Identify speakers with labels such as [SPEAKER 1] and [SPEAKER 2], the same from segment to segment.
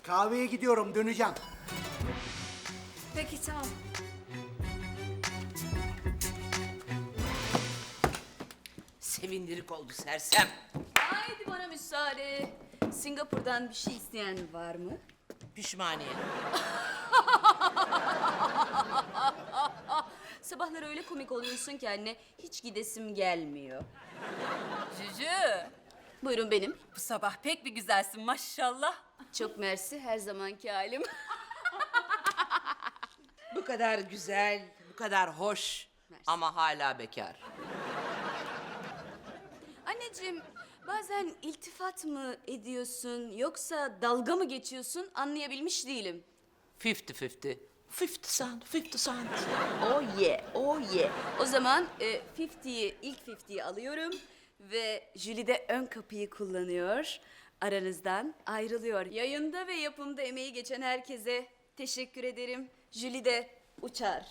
[SPEAKER 1] Kahveye gidiyorum, döneceğim.
[SPEAKER 2] Peki tamam.
[SPEAKER 3] Sevindirik oldu sersem.
[SPEAKER 2] Haydi bana müsaade. Singapur'dan bir şey isteyen var mı?
[SPEAKER 3] Pişmaniye.
[SPEAKER 2] Sabahları öyle komik oluyorsun ki anne, hiç gidesim gelmiyor.
[SPEAKER 4] Cücü,
[SPEAKER 2] Buyurun benim.
[SPEAKER 4] bu sabah pek bir güzelsin maşallah.
[SPEAKER 2] Çok mersi, her zamanki halim.
[SPEAKER 3] Bu kadar güzel, bu kadar hoş
[SPEAKER 2] Mersi.
[SPEAKER 3] ama hala bekar.
[SPEAKER 2] Anneciğim, bazen iltifat mı ediyorsun yoksa dalga mı geçiyorsun anlayabilmiş değilim.
[SPEAKER 3] 50-50. 50 cent, 50 cent.
[SPEAKER 2] Oh yeah, oh yeah. O zaman 50'yi, ilk 50'yi alıyorum ve Julie de ön kapıyı kullanıyor. Aranızdan ayrılıyor. Yayında ve yapımda emeği geçen herkese teşekkür ederim. Julie de uçar.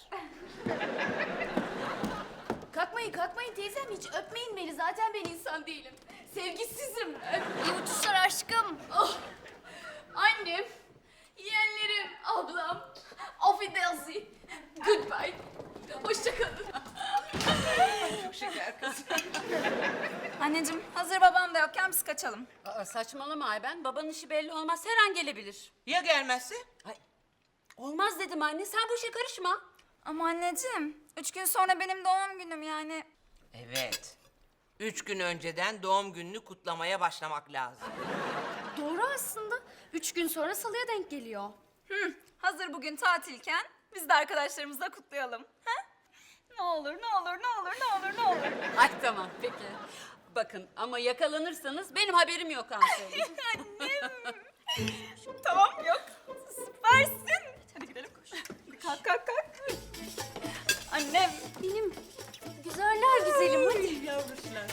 [SPEAKER 2] Kalkmayın teyzem, hiç öpmeyin beni. Zaten ben insan değilim. Sevgisizim.
[SPEAKER 4] İyi uçuşlar aşkım.
[SPEAKER 2] Oh, annem, yeğenlerim, ablam, auf Wiedersehen, goodbye, hoşça kalın.
[SPEAKER 3] Çok şeker kız.
[SPEAKER 4] Anneciğim, hazır babam da yokken biz kaçalım.
[SPEAKER 2] Aa, saçmalama Ayben, babanın işi belli olmaz, her an gelebilir.
[SPEAKER 3] Ya gelmezse?
[SPEAKER 2] Olmaz dedim anne, sen bu işe karışma.
[SPEAKER 4] Ama anneciğim, 3 gün sonra benim doğum günüm yani.
[SPEAKER 3] Evet. 3 gün önceden doğum gününü kutlamaya başlamak lazım.
[SPEAKER 2] Doğru aslında, 3 gün sonra salıya denk geliyor.
[SPEAKER 4] Hazır bugün tatilken biz de arkadaşlarımızla kutlayalım. Ha? Ne olur, ne olur, ne olur, ne olur, ne olur.
[SPEAKER 2] Ay tamam, peki. Bakın ama yakalanırsanız benim haberim yok Hansı.
[SPEAKER 4] Annem. Tamam, yok. Süpersin. Hadi gidelim koş. Kalk, kalk, kalk. Annem.
[SPEAKER 2] Benim güzeller güzelim, hadi.
[SPEAKER 3] Yavruşlar.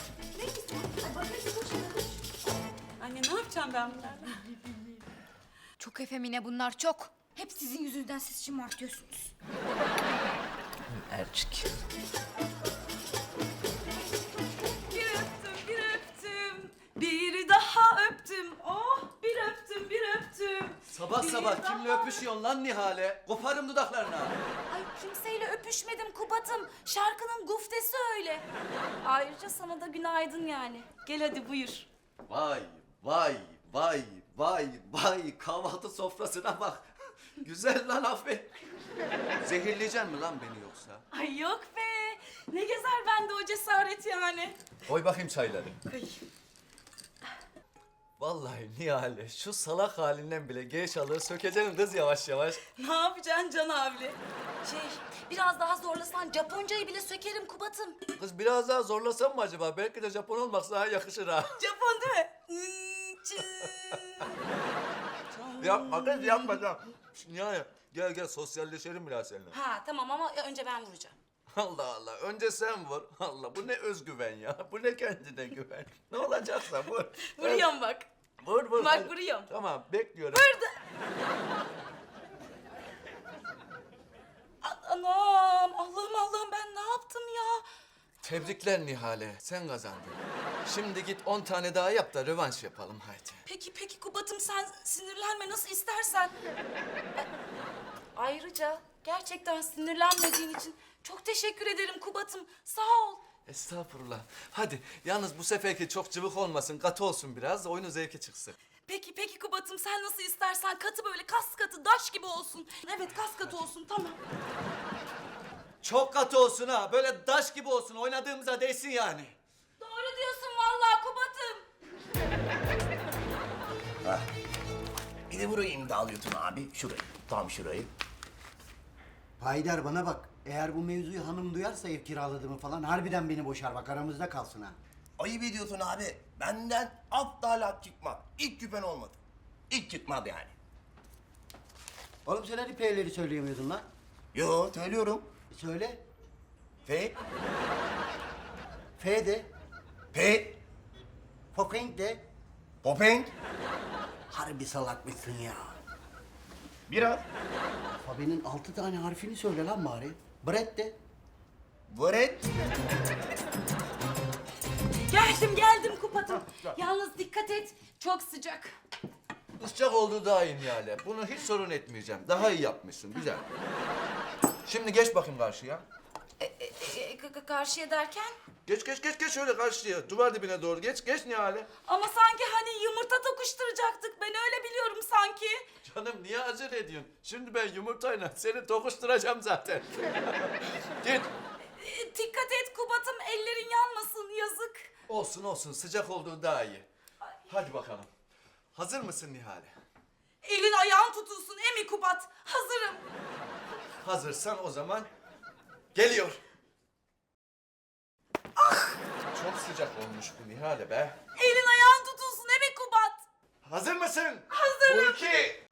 [SPEAKER 2] Anne ne yapacağım ben bunlarla?
[SPEAKER 4] Çok efemine bunlar çok. Hep sizin yüzünüzden siz şımartıyorsunuz.
[SPEAKER 3] Erçik.
[SPEAKER 5] Bir öptüm, bir öptüm. Bir daha öptüm. Oh, bir öptüm, bir öptüm.
[SPEAKER 6] Sabah sabah kimle öpüşüyorsun lan Nihale? Koparım dudaklarını.
[SPEAKER 5] Ay kimseyle öpüşmedim Kubat'ım. Şarkının guftesi öyle. Ayrıca sana da günaydın yani. Gel hadi buyur.
[SPEAKER 6] Vay vay vay vay vay kahvaltı sofrasına bak. Güzel lan Afet. Zehirleyeceksin mi lan beni yoksa?
[SPEAKER 5] Ay yok be. Ne gezer bende o cesaret yani.
[SPEAKER 6] Koy bakayım çayları. Vallahi Nihale şu salak halinden bile geyşalığı sökeceksin kız yavaş yavaş.
[SPEAKER 5] Ne yapacaksın Can abli? Biraz daha zorlasan Japoncayı bile sökerim Kubat'ım.
[SPEAKER 6] Kız biraz daha zorlasam mı acaba? Belki de Japon olmak sana yakışır ha.
[SPEAKER 5] Japon değil mi?
[SPEAKER 6] Yapma kız yapma. Nihale gel gel sosyalleşelim biraz seninle.
[SPEAKER 5] Ha tamam ama önce ben vuracağım.
[SPEAKER 6] Allah Allah. Önce sen vur. Allah bu ne özgüven ya. Bu ne kendine güven. Ne olacaksa vur.
[SPEAKER 5] Vuruyorum bak.
[SPEAKER 6] Vur vur.
[SPEAKER 5] Bak,
[SPEAKER 6] hadi.
[SPEAKER 5] vuruyorum.
[SPEAKER 6] Tamam bekliyorum.
[SPEAKER 5] Anam Allah'ım ben ne yaptım ya?
[SPEAKER 6] Tebrikler Nihale. Sen kazandın. Şimdi git 10 tane daha yap da rövanş yapalım haydi.
[SPEAKER 5] Peki Kubat'ım sen sinirlenme nasıl istersen. Ayrıca gerçekten sinirlenmediğin için çok teşekkür ederim Kubat'ım. Sağ ol.
[SPEAKER 6] Estağfurullah. Hadi yalnız bu seferki çok cıvık olmasın. Katı olsun biraz. Oyunun zevki çıksın.
[SPEAKER 5] Peki Kubat'ım sen nasıl istersen katı böyle kas katı daş gibi olsun. Evet kas katı olsun tamam.
[SPEAKER 6] Çok katı olsun ha. Böyle daş gibi olsun. Oynadığımıza değsin yani.
[SPEAKER 5] Doğru diyorsun vallahi Kubat'ım.
[SPEAKER 7] Bir de burayı imdalıyorsun abi. Şurayı. Tam şurayı.
[SPEAKER 1] Haydar bana bak, eğer bu mevzuyu hanım duyarsa ev kiraladığımı falan harbiden beni boşar bak, aramızda kalsın ha.
[SPEAKER 7] Ayıp ediyorsun abi. Benden aptal çıkmak. İlk küpen olmadı. İlk çıkmadı yani.
[SPEAKER 1] Oğlum sen hadi P'leri söyleyemiyordun lan.
[SPEAKER 7] Yo söylüyorum.
[SPEAKER 1] Söyle.
[SPEAKER 7] F,
[SPEAKER 1] F de,
[SPEAKER 7] P,
[SPEAKER 1] Poking de.
[SPEAKER 7] Popeng.
[SPEAKER 1] Harbi salak mısın ya?
[SPEAKER 7] Biraz.
[SPEAKER 1] Alfabenin 6 tane harfini söyle lan bari. Brett de.
[SPEAKER 7] Vret.
[SPEAKER 5] Geldim Kubat'ım. Yalnız dikkat et çok sıcak.
[SPEAKER 6] Iscak olduğu daha iyi Nihale. Bunu hiç sorun etmeyeceğim. Daha iyi yapmışsın. Güzel. Şimdi geç bakayım karşıya.
[SPEAKER 5] Karşıya derken?
[SPEAKER 6] Geç şöyle karşıya. Duvar dibine doğru geç Nihale.
[SPEAKER 5] Ama sanki hani yumurta tokuşturacaktık. Ben öyle biliyorum sanki.
[SPEAKER 6] Canım niye acele ediyorsun? Şimdi ben yumurtayla seni tokuşturacağım zaten. Git.
[SPEAKER 5] Dikkat et Kubat'ım, ellerin yanmasın, yazık.
[SPEAKER 6] Olsun sıcak olduğu daha iyi. Hadi bakalım. Hazır mısın Nihale?
[SPEAKER 5] Elin ayağın tutulsun emi Kubat. Hazırım.
[SPEAKER 6] Hazırsan o zaman geliyor. Çok sıcak olmuş bu Nihale be.
[SPEAKER 5] Elin ayağın tutulsun emi Kubat.
[SPEAKER 6] Hazır mısın?
[SPEAKER 5] Hazırım.
[SPEAKER 6] 2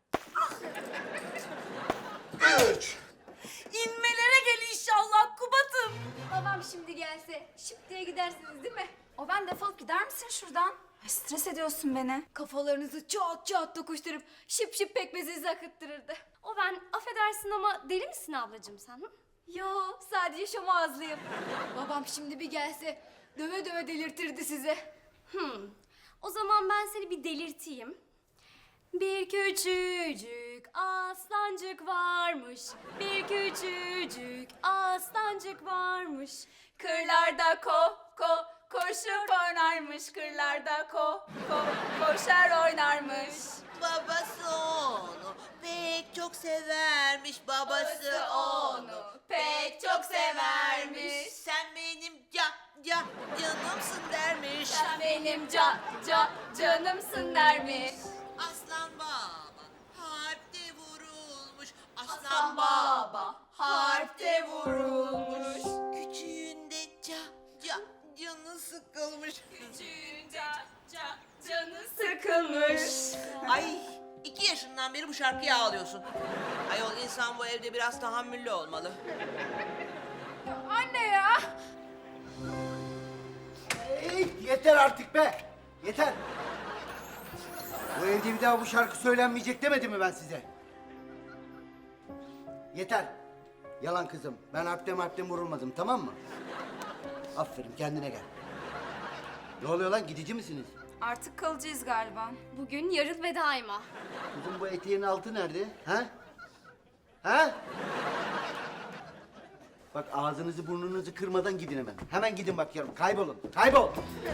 [SPEAKER 6] 3
[SPEAKER 5] İnmelere gel inşallah Kubat'ım.
[SPEAKER 8] Babam şimdi gelse şıp diye gidersiniz değil mi? O ben defolup gider misin şuradan?
[SPEAKER 4] Ay, stres ediyorsun beni.
[SPEAKER 8] Kafalarınızı çat çat dokuşturup şıp şıp pekmezinizi akıttırırdı. O ben affedersin ama deli misin ablacığım sen? Hı? Yo sadece şomazlıyım. Babam şimdi bir gelse döve döve delirtirdi size. O zaman ben seni bir delirteyim. Bir küçücük aslancık varmış. Bir küçücük aslancık varmış.
[SPEAKER 4] Kırlarda koşup oynarmış. Kırlarda koşar oynarmış.
[SPEAKER 9] Babası onu pek çok severmiş. Babası onu
[SPEAKER 4] pek çok severmiş.
[SPEAKER 9] Sen benim canımsın dermiş.
[SPEAKER 4] Sen benim canımsın dermiş.
[SPEAKER 9] Aslan baba harpte vurulmuş.
[SPEAKER 4] Aslan baba harpte vurulmuş.
[SPEAKER 9] Küçüğünde canı sıkılmış.
[SPEAKER 4] Küçüğünce canı sıkılmış.
[SPEAKER 9] Ay 2 yaşından beri bu şarkıyı ağlıyorsun. Ayol insan bu evde biraz tahammüllü olmalı.
[SPEAKER 4] Anne ya.
[SPEAKER 1] Yeter artık be. Yeter. Bu evde bir daha bu şarkı söylenmeyecek demedim mi ben size? Yeter. Yalan kızım. Ben harpten vurulmadım, tamam mı? Aferin, kendine gel. Ne oluyor lan, gidici misiniz?
[SPEAKER 4] Artık kalıcıyız galiba.
[SPEAKER 8] Bugün yarın ve daima.
[SPEAKER 1] Kızım bu eteğin altı nerede? Ha? Ha? Bak ağzınızı burnunuzu kırmadan gidin hemen. Hemen gidin bakıyorum. Kaybolun. Kaybol.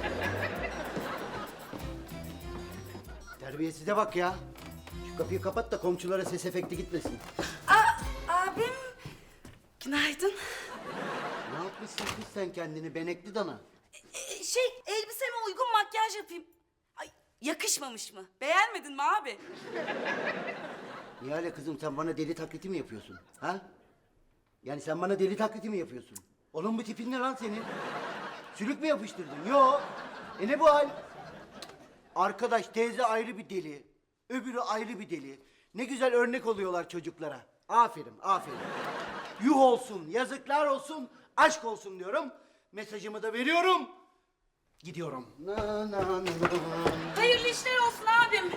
[SPEAKER 1] Terbiyesize bak ya. Şu kapıyı kapat da komşulara ses efekti gitmesin.
[SPEAKER 5] Abim. Günaydın.
[SPEAKER 1] Ne yapmışsın kız sen kendini benekli dana?
[SPEAKER 5] Elbiseme uygun makyaj yapayım. Ay, yakışmamış mı? Beğenmedin mi abi?
[SPEAKER 1] Nihale kızım sen bana deli taklidi mi yapıyorsun? Ha? Yani sen bana deli taklidi mi yapıyorsun? Oğlum bu tipin ne lan senin? Sülük mü yapıştırdın? Yo. Ne bu hal? Arkadaş teyze ayrı bir deli. Öbürü ayrı bir deli. Ne güzel örnek oluyorlar çocuklara. Aferin, aferin. Yuh olsun, yazıklar olsun, aşk olsun diyorum. Mesajımı da veriyorum. Gidiyorum. Na, na, na, na.
[SPEAKER 5] Hayırlı işler olsun abim.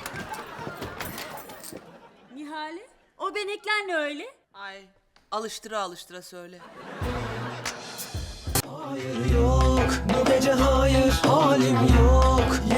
[SPEAKER 5] Nihale, o benekler ne öyle?
[SPEAKER 9] Ay alıştıra söyle.
[SPEAKER 10] Hayır yok, bu gece hayır, halim yok.